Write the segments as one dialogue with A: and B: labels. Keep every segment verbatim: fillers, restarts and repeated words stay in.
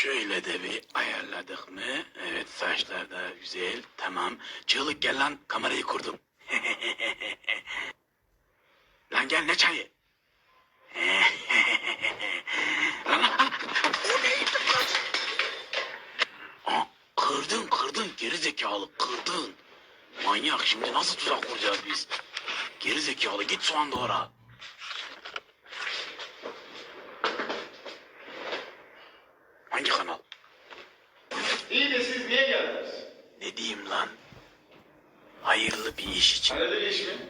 A: Şöyle de bir ayarladık mı? Evet, saçlar da güzel. Tamam. Çığlık gel lan, kamerayı kurdum. Lan gel, ne çayı? Lan, o neydi lan? Aa, kırdın kırdın geri zekalı, kırdın. Manyak, şimdi nasıl tuzak kuracağız biz? Geri zekalı, git soğan doğra. Hangi kanal?
B: İyi de siz niye geldiniz?
A: Ne diyeyim lan? Hayırlı bir iş için.
B: Hayırlı iş mi?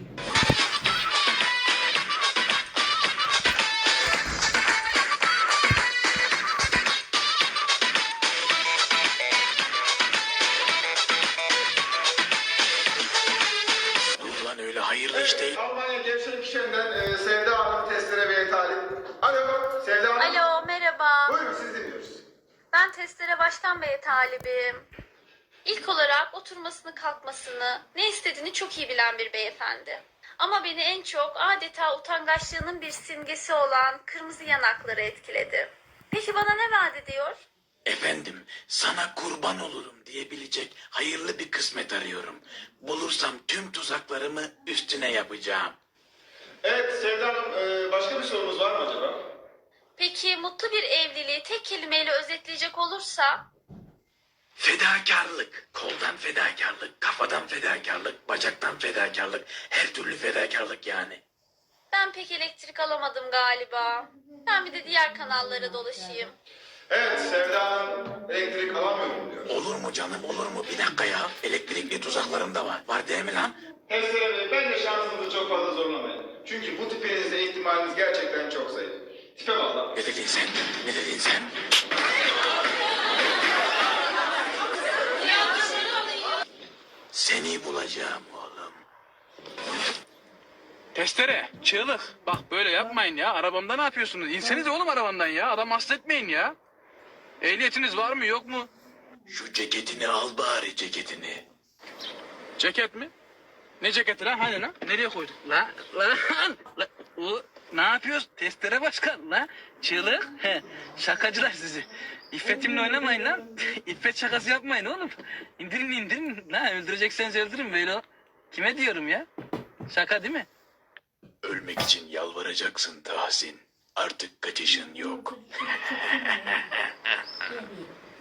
A: Yok lan, öyle hayırlı iş değil.
B: Almanya Gevşek İşi'nden e, Sevda Hanım testere ve talip. Alo Sevda Hanım.
C: Alo, merhaba.
B: Buyurun siz dinliyoruz.
C: Ben testlere baştan beri talibim. İlk olarak oturmasını, kalkmasını, ne istediğini çok iyi bilen bir beyefendi. Ama beni en çok adeta utangaçlığının bir simgesi olan kırmızı yanakları etkiledi. Peki bana ne vaat ediyor?
A: Efendim, sana kurban olurum diyebilecek hayırlı bir kısmet arıyorum. Bulursam tüm tuzaklarımı üstüne yapacağım.
B: Evet Sevda Hanım e, başka bir sorunuz var mı acaba?
C: Peki mutlu bir evliliği tek kelimeyle özetleyecek olursa?
A: Fedakarlık, koldan fedakarlık, kafadan fedakarlık, bacaktan fedakarlık, her türlü fedakarlık yani.
C: Ben pek elektrik alamadım galiba. Ben bir de diğer kanallara dolaşayım.
B: Evet Sevda Hanım elektrik alamıyorum diyor.
A: Olur mu canım, olur mu? Bir dakika ya, elektrikli tuzaklarım da var. Var değil mi lan?
B: Testere Bey ben de şansınızı çok fazla zorlamayın. Çünkü bu tipinizde ihtimaliniz gerçekten çok zayıf. Tipe valla.
A: Ne dedin sen? Ne dedin sen? Seni bulacağım oğlum.
D: Testere, çığlık. Bak böyle yapmayın ya. Arabamda ne yapıyorsunuz? İnseniz oğlum arabamdan ya. Adam hasta etmeyin ya. Ehliyetiniz var mı yok mu?
A: Şu ceketini al bari, ceketini.
D: Ceket mi? Ne ceketi lan? Hani lan? Nereye koyduk? La, la, la. O, ne yapıyoruz? Testere başkan la. Çığlık. He. Şakacılar sizi. İffetimle oynamayın lan. İffet şakası yapmayın oğlum. İndirin indirin. La öldürecekseniz öldürün böyle. Kime diyorum ya? Şaka değil mi?
A: Ölmek için yalvaracaksın Tahsin. Artık kaçışın yok.